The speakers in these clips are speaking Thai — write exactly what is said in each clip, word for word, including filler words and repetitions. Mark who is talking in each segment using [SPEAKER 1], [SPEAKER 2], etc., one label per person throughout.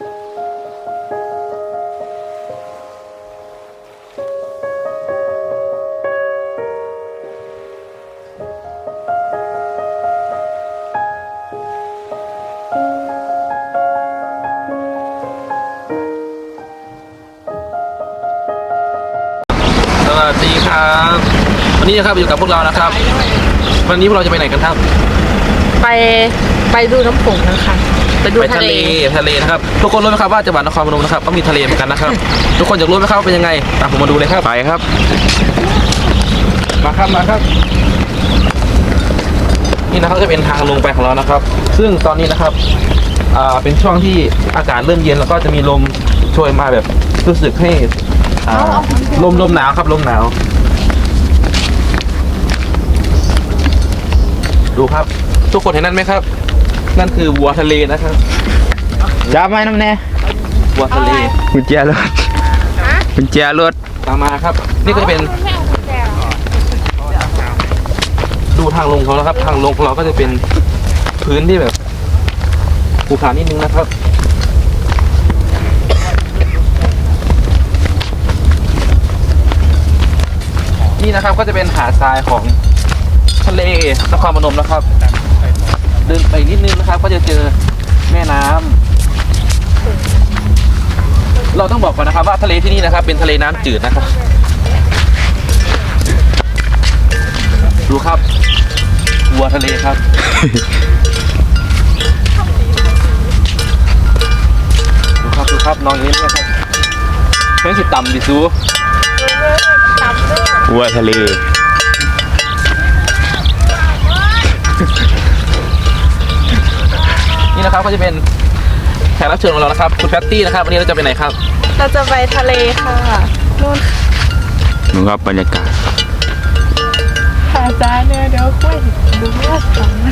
[SPEAKER 1] สวัสดีครับวันนี้นะครับอยู่กับพวกเรานะครับวันนี้พวกเราจะไปไหนกันครับ
[SPEAKER 2] ไปไปดูน้ำโขงนะคะไปดูทะเล
[SPEAKER 1] ทะเลนะครับทุกคนรู้ไหมครับว่าจังหวัดนครพนมนะครับก็มีทะเลเหมือนกันนะครับทุกคนอยากรู้ไหมครับว่าเป็นยังไงตามผมมาดูเลยครับไปครับมาครับมาครับนี่นะครับจะเป็นทางลงไปของเรานะครับซึ่งตอนนี้นะครับอ่าเป็นช่วงที่อากาศเริ่มเย็นแล้วก็จะมีลมโชยมาแบบรู้สึกให้อ่าลมลมหนาวครับลมหนาวดูครับทุกคนเห็นนั่นไหมครับนั่นคือวัวทะเลนะครับ
[SPEAKER 3] จับไหมน้ำแน่
[SPEAKER 1] วัวทะเล
[SPEAKER 3] กุญแจรถกุญแจรถ
[SPEAKER 1] ตามมาครับนี่ก็จะเป็นดูทางลงเขาแล้วครับทางลงของเราก็จะเป็นพื้นที่แบบภูเขานิดนึงนะครับนี่นะครับก็จะเป็นหาดทรายของทะเลนครพนมนะครับเดินไปนิดนึงนะครับก็จะเจอแม่น้ำเราต้องบอกก่อนนะครับว่าทะเลที่นี่นะครับเป็นทะเลน้ำจืดนะครับดูครับวัวทะเลครับดูครับดูครับน้องนี้นะครับเพื่อนสิต่ำดิซู
[SPEAKER 3] วัวทะเล
[SPEAKER 1] นี่นะครับก็จะเป็นแขกรับเชิญของเรานะครับคุณแพตตี้นะครับวันนี้เราจะไปไหนครับ
[SPEAKER 2] เราจะไปทะเลค่ะนู่น
[SPEAKER 3] ดูครับบรรยากาศ
[SPEAKER 2] หาจ้าเนี่ยเดี๋ยวคุยดูว่าสัง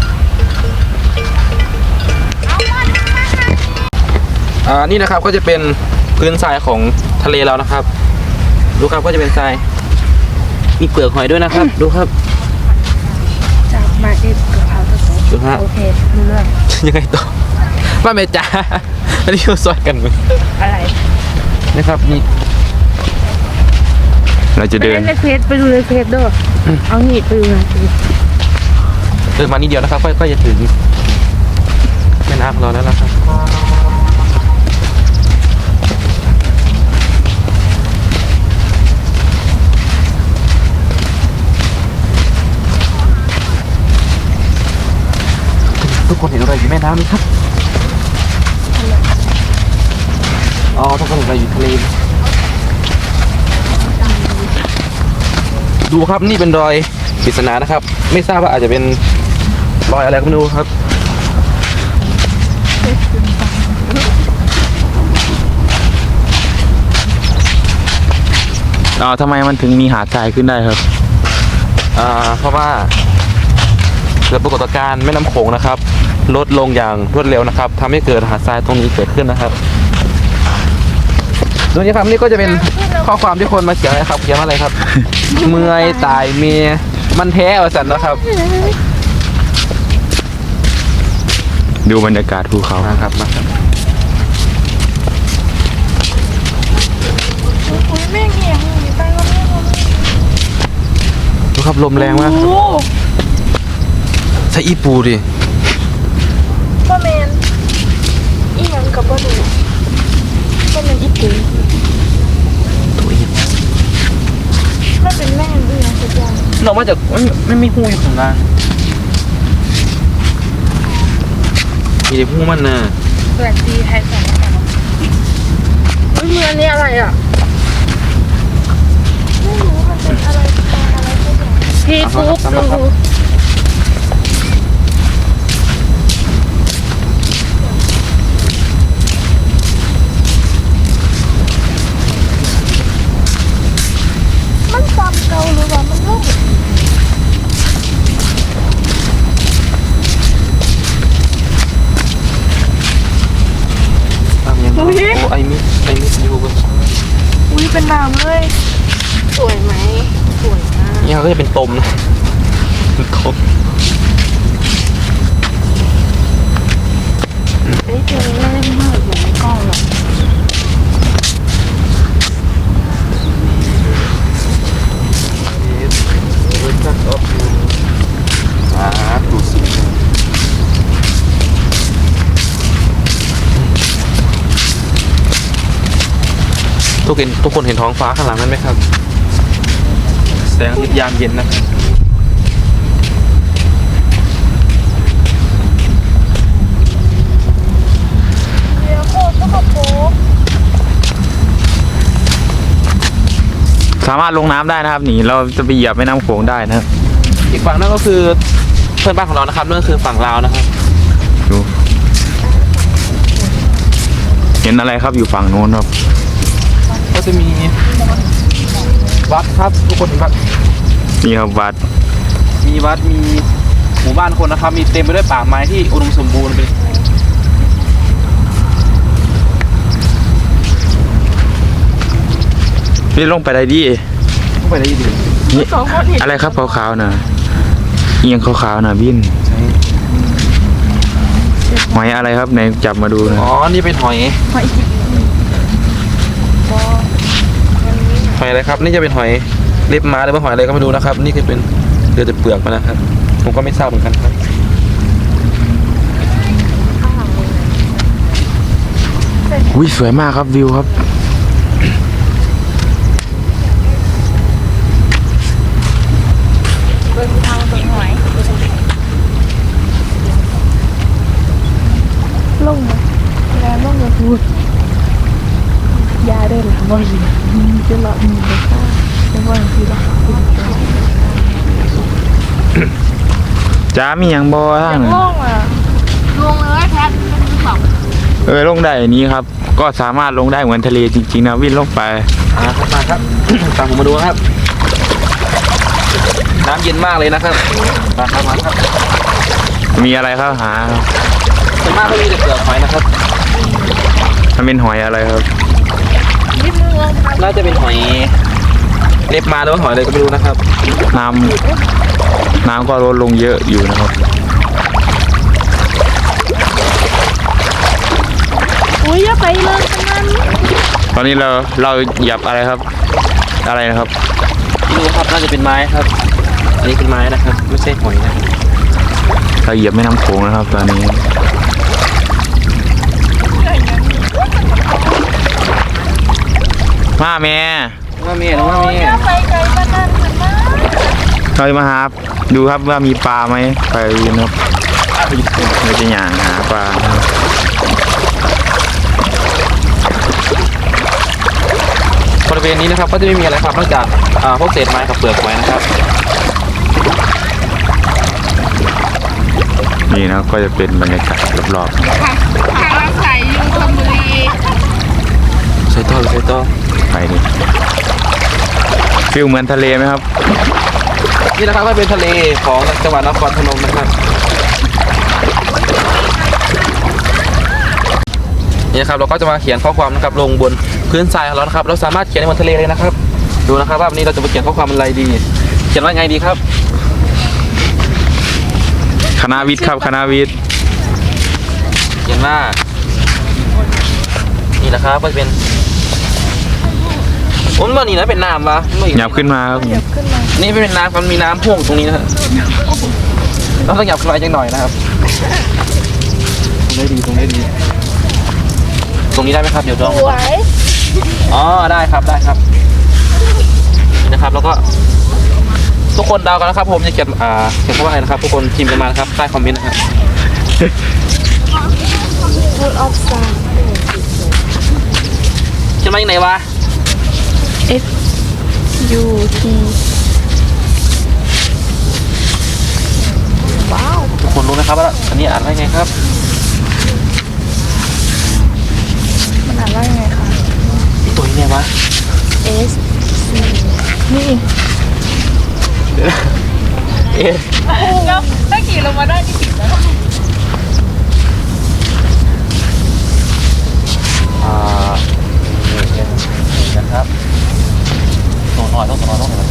[SPEAKER 1] อ่านี่นะครับก็จะเป็นพื้นทรายของทะเลเรานะครับดูครับก็จะเป็นทรายมีเปลือกหอยด้วยนะครับดูครับ
[SPEAKER 2] จับมาเอ็ดเกือบเอาตัวโตโอเคเรื่อง
[SPEAKER 1] ยังไงต่อว่าเมจ่าอันนี้เราซอยกันมั้ย
[SPEAKER 2] อะไร
[SPEAKER 1] นะครับนี่
[SPEAKER 3] เราจะเดิน
[SPEAKER 2] ไปเฟซไปดูในเฟซด้วยเอาหนีไปดูในเฟซ
[SPEAKER 1] เดินมานิดเดียวนะครับก็จะถึงแม่น้ำของเราแล้วนะครับทุกคนเห็นอะไรอยู่แม่น้ำไหมครับอ๋อทุกคนเห็นอะไรอยู่ทะเลดูครับนี่เป็นรอยปริศนานะครับไม่ทราบว่าอาจจะเป็นรอยอะไรก็ไม่รู้ครับ
[SPEAKER 3] อ๋อทำไมมันถึงมีหาดทรายขึ้นได้ครับ
[SPEAKER 1] อ่าเพราะว่าเกิดปรากฏการณ์แม่น้ำโขงนะครับลดลงอย่างรวดเร็วนะครับทำให้เกิดหาดทรายตรงนี้เกิดขึ้นนะครับส่วนนี้ครับนี่ก็จะเป็นข้อความที่คนมาเขียนนะครับเขียนว่าอะไรครับ เมื่อยตายเมียมันแท้อวสันนะครับ
[SPEAKER 3] ดูบรรยากาศภูเขา
[SPEAKER 1] นะครับมาครับ
[SPEAKER 2] แม่เหี้ยมีไปก็ไม่รู้
[SPEAKER 1] ดูครับลมแรงมากใช่อีปูดิ
[SPEAKER 2] ก็เมนอีหยังกับบ่ดูก็เมนอีปู
[SPEAKER 1] ตัวอี
[SPEAKER 2] ไม่เป็นแม่ด้วยนะสักอย่าง
[SPEAKER 1] เรามาจากไม่มีหูอยู่ข้างล่างมีแต่หูมันน่ะ
[SPEAKER 2] สวัสดีไทยสองเฮ้ยมืออันนี้อะไรอ่ะไม่รู้มันเป็นอะไรอะไรสักอย่างพี่ฟุ๊กดูมันซ้ำเก่าหรือว่ามันโล่ง
[SPEAKER 1] ตามยังโอ้ไอมิไอมิอยู่บน
[SPEAKER 2] อุ้ยเป็นน้ำเลยสวยไหมสวยมาก
[SPEAKER 1] นี่เขาก็จะเป็นตมนะเป็นตม
[SPEAKER 2] เอ้ยเจอแร่มากอยู่ในก้อน
[SPEAKER 1] ทุกคนทุกคนเห็นท้องฟ้าข้างหลังนั้นไหมครับแสงอาทิตย์ยามเย็นนะครับ
[SPEAKER 2] เดี๋ยวโคตรก็โป๊ะ
[SPEAKER 3] สามารถลงน้ำได้นะครับนี่เราจะไปเหยียบแม่น้ำโขงได้นะครับ
[SPEAKER 1] อีกฝั่งนั่นก็คือเพื่อนบ้านของเรานะครับนั่นก็คือฝั่งลาวนะครับ
[SPEAKER 3] ดูเห็นอะไรครับอยู่ฝั่งโน้นครับ
[SPEAKER 1] ก็จะมีวัดครับทุกคนเห็นวัด
[SPEAKER 3] นี่ครับวัด
[SPEAKER 1] มีวัดมีหมู่บ้านคนนะครับ มีเต็มไปด้วยป่าไม้ที่อุดมสมบูรณ์เลย
[SPEAKER 3] นี่ลงไปได้ดี
[SPEAKER 1] เข้าไปได้ดี
[SPEAKER 3] นี่
[SPEAKER 2] สองคนเห็น
[SPEAKER 3] อะไรครับขาวๆนะเอียงขาวๆนะบินหอยอะไรครับไหนจับมาดูนะ
[SPEAKER 1] อ๋อนี่เป็นหอย
[SPEAKER 2] หอยจิกบอ
[SPEAKER 1] หอยอะไรครับ นี่จะเป็นหอยเล็บม้าหรือว่าหอยอะไรก็ไม่รู้นะครับ นี่คือเป็นเดือดแต่เปลือกมันนะครับ ผมก็ไม่ทราบเหมือนกันครับ
[SPEAKER 3] อุ้ยสวยมากครับวิวครับ
[SPEAKER 2] เบิ่งทางเบิ่งหอยลงมาแล้วลงมาพูดยาเดินหลังบ่อยจะหลอดมีเลยค่ะจะว่าทีละ
[SPEAKER 3] จ้ามีอย่างบอท่าน
[SPEAKER 2] ลงอ่ะลงเลยแพทย์บอก
[SPEAKER 3] เออลงได้อันนี้ครับ ก็สามารถลงได้เหมือนทะเลจริงๆนะวิ่งลงไป
[SPEAKER 1] อ่าครับมาครับ ตามผมมาดูครับ น้ำเย็นมากเลยนะครับมาครับมาครับ
[SPEAKER 3] มีอะไรครับหาครับ
[SPEAKER 1] ส่วนมากก็มีแต่เปลือกหอยนะครับ
[SPEAKER 3] มันเป็นหอยอะไรครับ
[SPEAKER 2] นิดนึงลงมา
[SPEAKER 1] น่าจะเป็นหอยเล็บมาหรือว่าหอยอะไรก็ไม่รู้นะครับ
[SPEAKER 3] น้ำน้ำก็ลดลงเยอะอยู่นะครับ
[SPEAKER 2] อุ้ยอย่าไปเลยกันนั้น
[SPEAKER 3] ตอนนี้เราเราเหยียบอะไรครับ อะไรนะครับ
[SPEAKER 1] ไม่รู้ครับน่าจะเป็นไม้ครับ อันนี้เป็นไม้นะครับ ไม่ใช่หอยนะ
[SPEAKER 3] เราเหยียบแม่น้ำโขงนะครับ ตอนนี้มาแม่
[SPEAKER 1] ว่าเมียหรือว่า
[SPEAKER 2] โอ้ย
[SPEAKER 1] เมี
[SPEAKER 2] อย ย่าไปไกลกันนั้นกันนะ
[SPEAKER 3] เราจะมาหาดูครับว่ามีปลาไหมไปนะครับเราจะหย่างหาปลานะครับ
[SPEAKER 1] บริเวณนี้นะครับก็จะไม่มีอะไรครับนอกจากอ่าพวกเศษไม้กับเปลือกหอยนะครับ
[SPEAKER 3] นี่นะครับก็จะเป็นบรรยากาศรอบ
[SPEAKER 2] ทางรักใสอยู่ชลบุรี
[SPEAKER 1] ใช้ต้อหรือใช้ต้อ
[SPEAKER 3] ๆไปนี่ฟิลเหมือนทะเลไหมครับ
[SPEAKER 1] นี่นะครับก็เป็นทะเลของจังหวัดนครพนมนะครับนี่นะครับเราก็จะมาเขียนข้อความนะครับลงบนพื้นทรายของเรานะครับเราสามารถเขียนในบนทะเลเลยนะครับ ดูนะครับว่าวันนี้เราจะมาเขียนข้อความอะไรดี เขียนว่าไงดีครับ
[SPEAKER 3] คณะวิทย์ครับคณะวิทย์
[SPEAKER 1] เขียนว่านี่นะครับก็จะเป็นผมว่านี่นะเป็นน้ำวะไม่
[SPEAKER 3] หยับขึ้นมาครับ
[SPEAKER 2] เดี๋ยวขึ้นมา
[SPEAKER 1] นี่ไม่เป็นน้ำมันมีน้ำพ่วงตรงนี้นะฮะเราต้องหยับขึ้นไปจังหน่อยนะครับตรงนี้ดีตรงนี้ดี ตรงนี้ได้ไหมครับเดี๋ยวลอง
[SPEAKER 2] สวย
[SPEAKER 1] อ๋อได้ครับได้ครับนี่นะครับแล้วก็ทุกคนเดากันนะครับผมจะเขียนอ่าเขียนคำว่าอะไรนะครับ ทุกคนพิมพ์กันมานะครับใต้คอมเมนต์นะครับ
[SPEAKER 2] ฟูดออฟซา
[SPEAKER 1] เขียนมาอย่างไหนวะ
[SPEAKER 2] F U T ว้าว
[SPEAKER 1] ทุกคนรู้นะครับว่าอันนี้อ่านว่าไงครับ
[SPEAKER 2] มันอ่านว่ายังไงคะ
[SPEAKER 1] นี่ตัวนี้ไงวะ
[SPEAKER 2] S C นี่
[SPEAKER 1] เอ๊ะ
[SPEAKER 2] แล้วถ้าขี่ลงมาได้ที่ผิดแล้ว
[SPEAKER 1] อ่านี่นะครับตัวหน่อยต้องตัวหน่อยต้องตัวหน่อย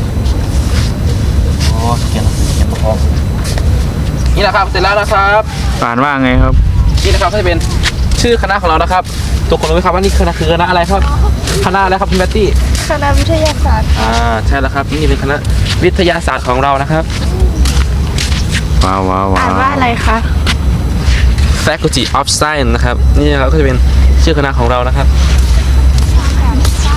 [SPEAKER 1] โอ้เขียนเขียนตัวพองนี่แหละครับเสร็จแล้วนะครับ
[SPEAKER 3] อ่านว่าไงครับ
[SPEAKER 1] นี่นะครับก็จะเป็นชื่อคณะของเรานะครับทุกคนรู้ไหมครับว่านี่คณะคือคณะอะไรครับคณะอะไรครับพี่แบตตี้
[SPEAKER 2] คณะวิทยาศาสตร์
[SPEAKER 1] อ่าใช่แล้วครับนี่เป็นคณะวิทยาศาสตร์ของเรานะครับ
[SPEAKER 3] ว้าวว้าวว้า
[SPEAKER 2] อ่านว่าอะไรคะ
[SPEAKER 1] Faculty of Science นะครับนี่นะครับก็จะเป็นชื่อคณะของเรานะครับ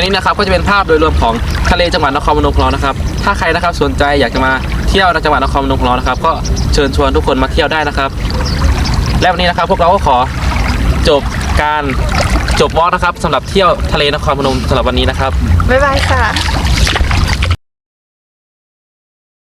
[SPEAKER 1] นนี้นะครับก็จะเป็นภาพโดยรวมของทะเลจังหวัดนครพนมของเรานะครับถ้าใครนะครับสนใจอยากจะมาเที่ยวในจังหวัดนครพนมของเรานะครับก็เชิญชวนทุกคนมาเที่ยวได้นะครับและวันนี้นะครับพวกเราก็ขอจบการจบวอล์กนะครับสำหรับเที่ยวทะเลนครพนมสำหรับวันนี้นะครับ
[SPEAKER 2] บ๊ายบายค่ะ